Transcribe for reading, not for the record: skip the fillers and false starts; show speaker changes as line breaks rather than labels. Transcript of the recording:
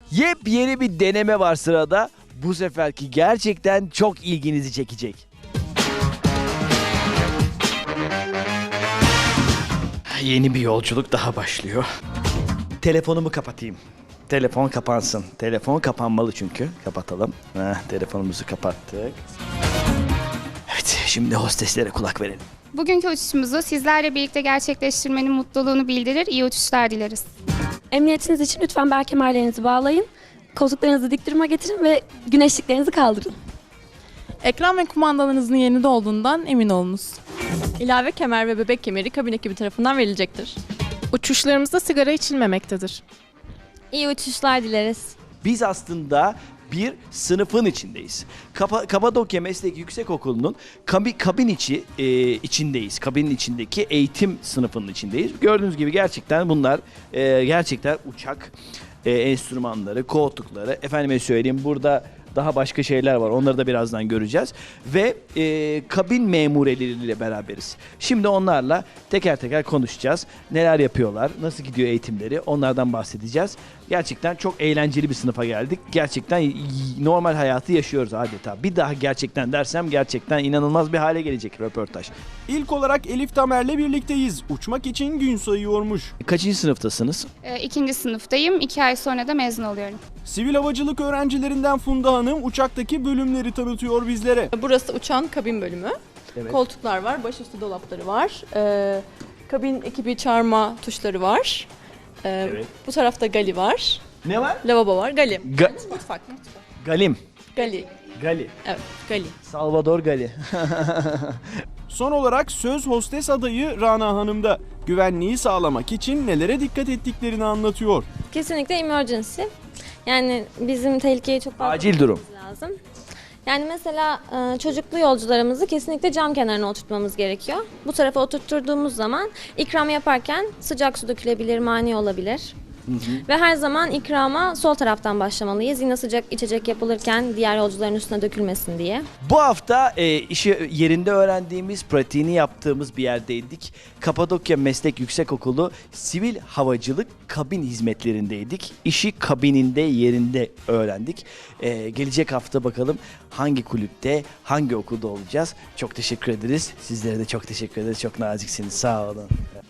Yepyeni bir deneme var sırada. Bu seferki gerçekten çok ilginizi çekecek. Yeni bir yolculuk daha başlıyor. Telefonumu kapatayım. Telefon kapansın. Telefon kapanmalı çünkü. Kapatalım. Telefonumuzu kapattık. Evet, şimdi hosteslere kulak verelim.
Bugünkü uçuşumuzu sizlerle birlikte gerçekleştirmenin mutluluğunu bildirir, iyi uçuşlar dileriz.
Emniyetiniz için lütfen bel kemerlerinizi bağlayın. Koltuklarınızı dik duruma getirin ve güneşliklerinizi kaldırın.
Ekran ve kumandalarınızın yerinde olduğundan emin olunuz. İlave kemer ve bebek kemeri kabin ekibi tarafından verilecektir. Uçuşlarımızda sigara içilmemektedir.
İyi uçuşlar dileriz.
Biz aslında bir sınıfın içindeyiz. Kapadokya Meslek Yüksekokulu'nun kabin içindeyiz. Kabinin içindeki eğitim sınıfının içindeyiz. Gördüğünüz gibi gerçekten bunlar gerçekten uçak enstrümanları, koltukları. Efendime söyleyeyim, burada daha başka şeyler var. Onları da birazdan göreceğiz. Ve kabin memureleriyle beraberiz. Şimdi onlarla teker teker konuşacağız. Neler yapıyorlar, nasıl gidiyor eğitimleri, onlardan bahsedeceğiz. Gerçekten çok eğlenceli bir sınıfa geldik. Gerçekten normal hayatı yaşıyoruz adeta. Bir daha gerçekten dersem gerçekten inanılmaz bir hale gelecek röportaj.
İlk olarak Elif Tamer'le birlikteyiz. Uçmak için gün sayıyormuş.
Kaçıncı sınıftasınız?
2. sınıftayım, 2 ay sonra da mezun oluyorum.
Sivil havacılık öğrencilerinden Funda Hanım uçaktaki bölümleri tanıtıyor bizlere.
Burası uçağın kabin bölümü.
Evet.
Koltuklar var, başüstü dolapları var. Kabin ekibi çağırma tuşları var.
Evet.
Bu tarafta gali var.
Ne var?
Lavabo var, gali. Mutfak.
Galim.
Gali.
Gali.
Evet, gali.
Salvador Gali.
Son olarak söz hostes adayı Rana Hanım da güvenliği sağlamak için nelere dikkat ettiklerini anlatıyor.
Kesinlikle emergency. Yani bizim tehlikeye çok fazla
Acil durum.
bakmamız lazım. Yani mesela çocuklu yolcularımızı kesinlikle cam kenarına oturtmamız gerekiyor. Bu tarafa oturtturduğumuz zaman ikram yaparken sıcak su dökülebilir, mani olabilir. Ve her zaman ikrama sol taraftan başlamalıyız. Yine sıcak içecek yapılırken diğer yolcuların üstüne dökülmesin diye.
Bu hafta işi yerinde öğrendiğimiz, pratiğini yaptığımız bir yerdeydik. Kapadokya Meslek Yüksekokulu Sivil Havacılık Kabin Hizmetlerindeydik. İşi kabininde, yerinde öğrendik. Gelecek hafta bakalım hangi kulüpte, hangi okulda olacağız. Çok teşekkür ederiz. Sizlere de çok teşekkür ederiz. Çok naziksiniz. Sağ olun.